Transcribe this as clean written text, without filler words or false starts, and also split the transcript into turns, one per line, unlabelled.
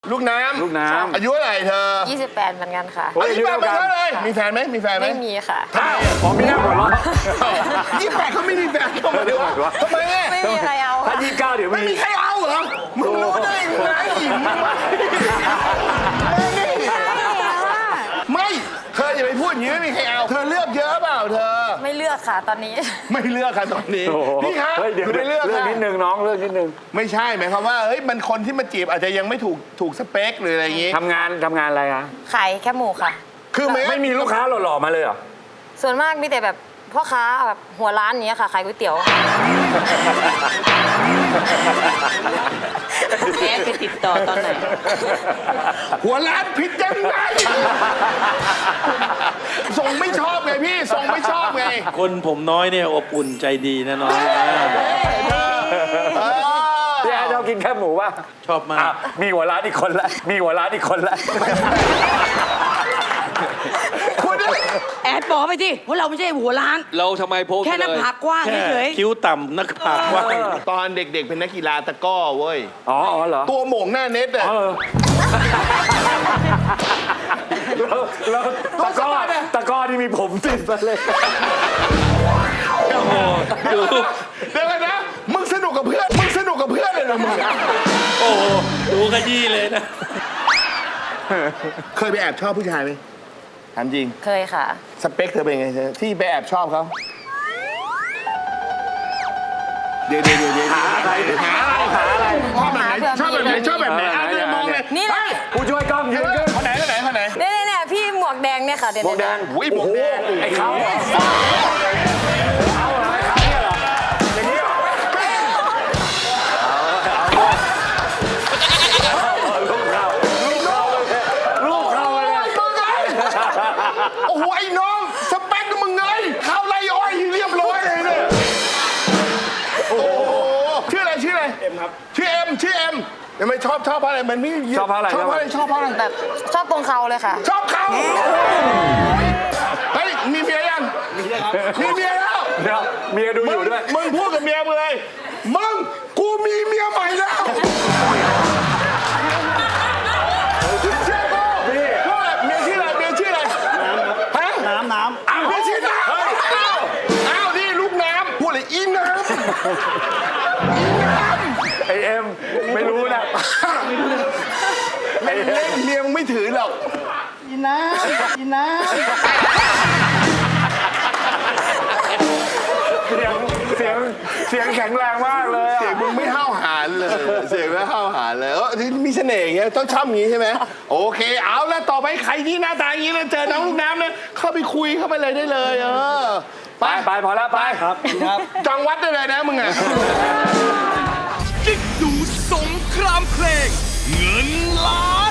ลูกน้ำอายุเท่าไหร่เธอ
28เหมือนกันค่ะ
อายุ28กันเลยมีแฟนไหม
ไม่มีค่ะ
ผมมีหน้าหัวเราะ28เขาไม่มีแฟนทำไมวะทำไม
ไม่มีใครเอา
ถ้า29เดี๋ยว
ไม่มีใครเอาเหรอมึงรู้ได้ยังไงไม่เธออย่าไปพูดอย่างนี้ไม่มีใครเอาเธอเลือกเยอะเปล่าเธอ
ไม่เลือกค่ะตอนนี้
ไม่เลือกค่ะตอนนี้พี่คะ
คุณไม่เลือกนิดนึงน้องเลือกนิดนึง
ไม่ใช่หมายความว่าเฮ้ยมันคนที่มาจีบอาจจะยังไม่ถูกสเปคหรืออะไรอย่างงี้
ทำงานอะไรอะ
ขายแค่หมูค่ะ
คือ
ไม่มีลูกค้าหล่อๆมาเลยเหรอ
ส่วนมากมีแต่แบบพ่อค้าแบบหัวร้านนี้ค่ะขายก๋วยเตี๋ยว
แม่ไปติดต่อตอนไหน
หัวร้านผิดยังไงส่งไม่ชอบไงพี่ส่งไม่ชอบไง
คนผมน้อยเนี่ยอบอุ่นใจดีนะน้อง
พี่แอดชอบกินแค่หมูป่ะ
ชอบมาก
มีหัวร้านอีกคนละ
แอดบอกไปที่ว่าเราไม่ใช่หัวล้าน
เราทำไมโพส
แค่หน้าผากกว้างเฉย
คิ้วต่ำหน้าผากกว้าง
ตอนเด็กๆเป็นนักกีฬาตะก้อเว้ย
อ๋อเหรอ
ตัวหม่งหน้าเน็ตอะ
แล้วตะก้อที่มีผมติดมาเลย
โอ้โหดู
เดี๋ยวนะมึงสนุกกับเพื่อนเลยนะมึง
โอ้โหดูขยี้เลยนะ
เคยไปแอบชอบผู้ชายไหมถามจริง
เคยค่ะ
สเปคเธอเป็นไงเธอที่ไปแอบชอบเขาเดี๋ยว
หาอะไร
ชอบแบบไหนเนี่ยมองเลย
นี่เลย
ผู้ช่วยกล้องยืนขึ้น
คนไหน
เนี่ยพี่หมวกแดงเนี่ยค่ะ
หมวกแดง
หมวกแดง
ไอ้เขาเนี่ยเหรออย่างนี้เหรอลูกเขาเลย
โอ้โหไอ้น้องสเปคมึงไงเข้าไล่อ้อยเรียบร้อยเลยเนี่ยโอ้โหชื่ออะไรเอ็มครับชื่อเอ็มทำไมชอบเพราะอะไรมันไม่
ชอบเพราะอะไร
แบบชอบตรงเขาเลยค่ะ
ชอบเขาเฮ้ยมีเมียยังมีเมียแล้ว
เดี๋ยวเมียดูอยู่ด้วย
มึงพูดกับเมียมึงเลยกูมีเมียใหม่แล้วเมียชื่ออะไรฮะน้ำอ้าวเมียชื่อน้ำอ้าวนี่ลูกน้ำพูดเลยอีน้ำ
ไอเอ็มไม่รู้นะ
เล่นเมียมึงไม่ถือหรอกอีน้ำ
เสียงแข็งแรงมากเลย
เสียงมึงไม่ห้าวหาญเลยมีเสน่ห์อย่างเงี้ยต้องชอบอย่างงี้ใช่ไหมโอเคเอาแล้วต่อไปใครที่หน้าตาอย่างงี้แล้วเจอน้องลูกน้ำเนี่ยเข้าไปคุยเข้าไปเลยได้เลย
ไปพอแล้วไป
ครับ
จังวัดได้เลยนะมึงอ่ะ
กิ๊กดูสงครามเพลงเงินล้าน